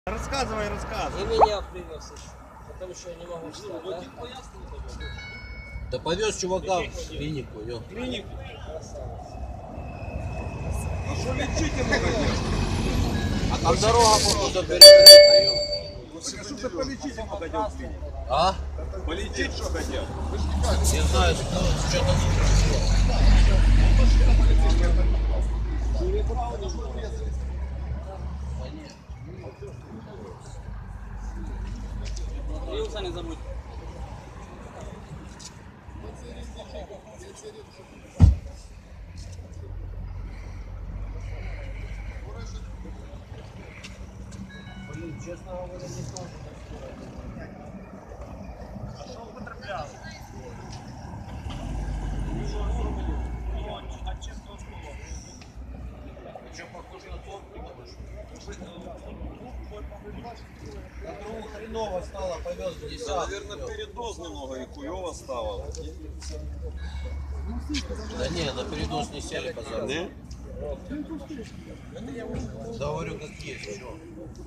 Рассказывай. И меня привез еще. Потому что я не могу встать, да? Да повез чувака в клинику, ё. Клинику? А что лечите много делать? А там дорога походу перекрыта, ё. Так а что ты полечить много дел в клинике? А? Полечить что хотел? Не знаю, что-то Вилса не забудь. Блин, честно говоря, не знаю. А что употреблял? От чистого слова. Что, похоже на топливо? На другу хреново стало, повез в десятку. Да, наверное, передоз немного и хуёво стало. Да не, на передоз не сели, пацаны. Не? Да говорю, как есть, что.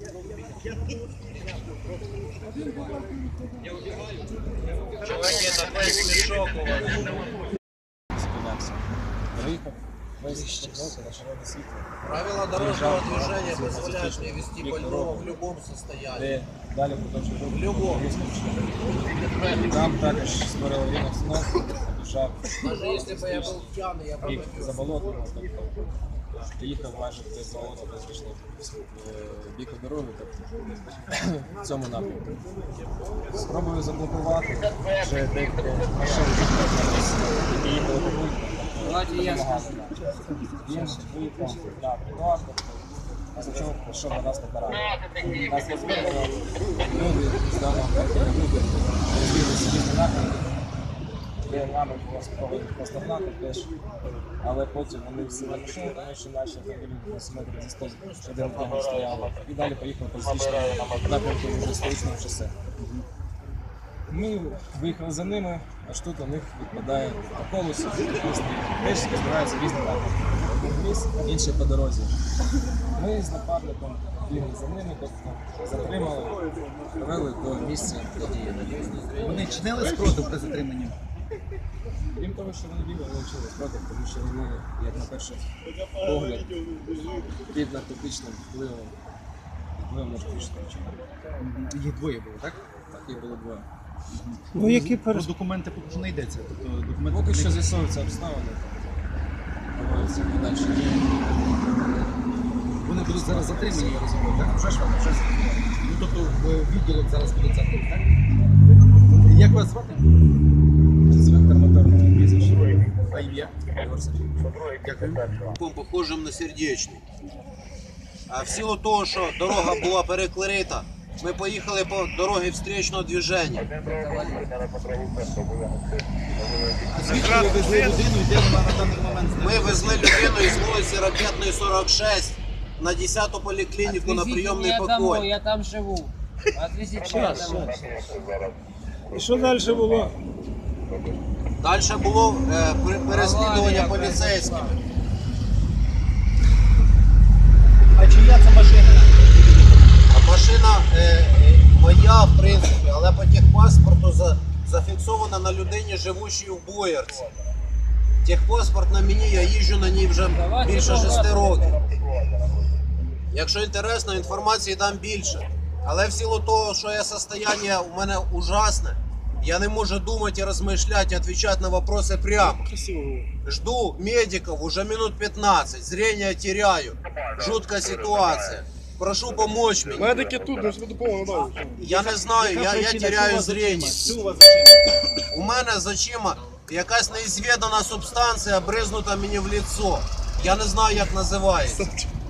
Чуваки, такой смешок у вас. Приїхав, весь на червоне світло, Правила дорожного движения позволяют мне вести больного в любом состоянии. де далі продовжує рух. В любому. Там також створили аварійну обстановку, біжав Даже если бы я был пьяный, я бы рік побил. за болотом, тобто приїхав майже без болота, без річного бік дороги, тобто в цьому напрямку. Спробую заблокувати, вже декілька машин, які їхали по вулиці. Давайте я скажу. Він виїхав на тротуар, після чого пішов на нас на параду. Нас розбили, люди з даного квартиру, люди розбилися в різні напрямки, де нами було спробувати наздогнати теж, але потім вони всі на машину, тому що наші автомобілі десь метрів за 100 один в одному стояли, і далі поїхали по зустрічному напрямку вже столичного шосе. Ми виїхали за ними, аж тут у них відпадає по колесу, теж збираються різні напрямки. Один в ліс, інший по дорозі. Ми з напарником бігли за ними, тобто затримали, привели до місця події. Вони чинили спротив при затриманні? Крім того, що вони бігли, вони вчили спротив, тому що вони, як на перший погляд, під наркотичним впливом наркотичного вчинку. Їх двоє було, так? Так, їх було двоє. Ну, які про документи поки що не йдеться. Тобто, документи Поки що з'ясовуються обставини, проводяться подальші дії. вони будуть зараз затримані, я розумію, так? Вже ж вони, вже затримані. Ну, тобто в відділок зараз будуть затримані, так? Як вас звати? Інспектор моторного прізвища. А ім'я? Дякую. Похожим на сердечний. А в силу того, що дорога була перекрита, ми поїхали по дорогі встречного движення. А звідки ви везли людину і де вона на даний момент Ми везли людину із вулиці Ракетної, 46 на 10-ту поліклініку на прийомний Отвезите меня домой, покой. я там живу. Отвезите меня домой. І що далі було? Далі було переслідування поліцейськими. А чия це машина? А машина моя, в принципі, але по техпаспорту зафіксована на людині, живущій у Боярці. Техпаспорт на мені, я їжджу на ній вже більше 6 років. Якщо інтересно, інформації дам більше. Але в силу того, що я состояние у мене ужасне, я не можу думати і розмишляти, відповідати на вопроси прямо. Жду медиков уже минут 15, зрение теряю. Жуткая ситуация. Прошу помочь мне. Медики тут, ми ж допомогу. Я не знаю, я теряю зрение. Що у вас за чим? У мене з очима якась неізвідана субстанція бризнута мені в лицо. Я не знаю, як називається.